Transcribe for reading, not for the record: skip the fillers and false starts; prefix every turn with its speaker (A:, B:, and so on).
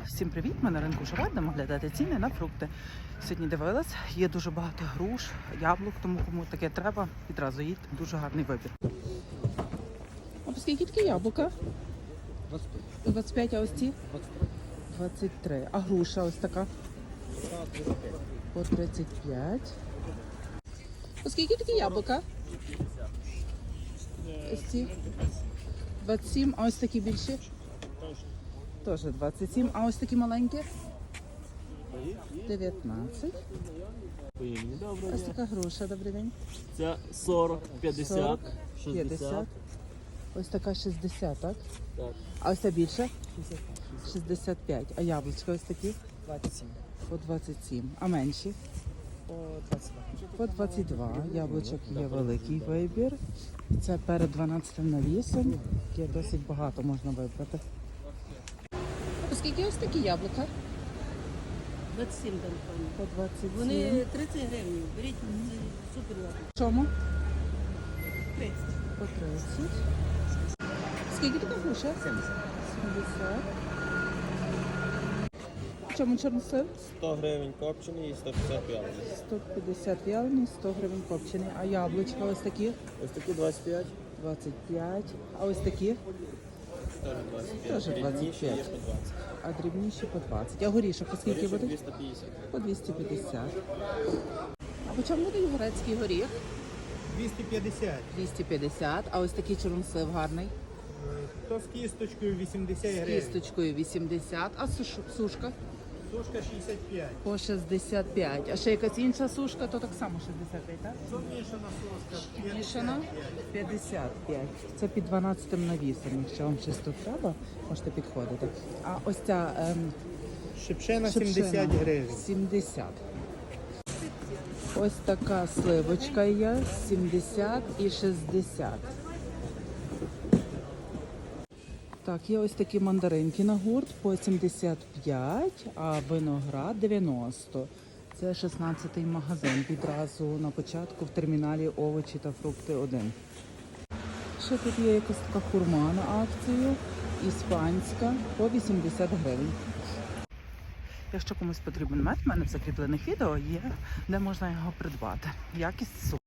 A: Всім привіт! Ми на ринку Жара, будемо глядати ціни на фрукти. Сьогодні дивилась, є дуже багато груш, яблук, тому кому таке треба, відразу їдьте. Дуже гарний вибір. А по скільки такі яблука?
B: 25.
A: 25, а ось ці? 23. А груша ось така? По 35. По скільки такі яблука? Ось ці? 27, а ось такі більші? Теж 27, а ось такі маленькі? 19. Ось така груша, добрий день.
B: Це 40, 50,
A: 40,
B: 60.
A: 50. Ось така 60, так?
B: Так.
A: А ось ця більша? 65. А яблучка ось такі?
B: 27.
A: По 27. А менші?
B: По 22.
A: По 22. Яблучок є великий вибір. Це перед 12 навісом. Є досить багато, можна вибрати. Оскільки ось такі яблука?
C: 27 там пані.
A: По 27.
C: Вони 30 гривень. Беріть, це супер яблуко.
A: Чому?
C: 30.
A: По 30. Скільки така груша? 70. 70. Чому чорнослив?
B: 100 гривень копчений і 150 вялений.
A: 150 вялений, 100 гривень копчений. А яблучка ось такі?
B: Ось такі 25.
A: 25. А ось такі?
B: Теж 25.
A: Теж
B: Дрібніші є
A: 25.
B: по 20.
A: А дрібніші по 20. А горішок по скільки
B: Горішок
A: буде?
B: 250.
A: По 250. А по чому буде грецький горіх?
D: 250.
A: 250. А ось такий чорнослив гарний?
D: То з кісточкою 80
A: З
D: гривень.
A: кісточкою 80. А сушка?
D: Сушка 65.
A: По 65. А ще якась інша сушка, то так само 65, так?
D: Це мішана сушка.
A: Мішана 55. Це під 12 навісом. Якщо вам щось тут треба, можете підходити. А ось ця
D: Шипшена
A: шипшина
D: 70 гривень.
A: 70. Ось така сливочка є 70 і 60. Так, є ось такі мандаринки на гурт по 75, а виноград 90. Це 16-й магазин. Відразу на початку в терміналі овочі та фрукти 1. Ще тут є якась така хурма на акцію, іспанська, по 80 гривень. Якщо комусь потрібен мед, в мене в закріплених відео є, де можна його придбати. Якість супер.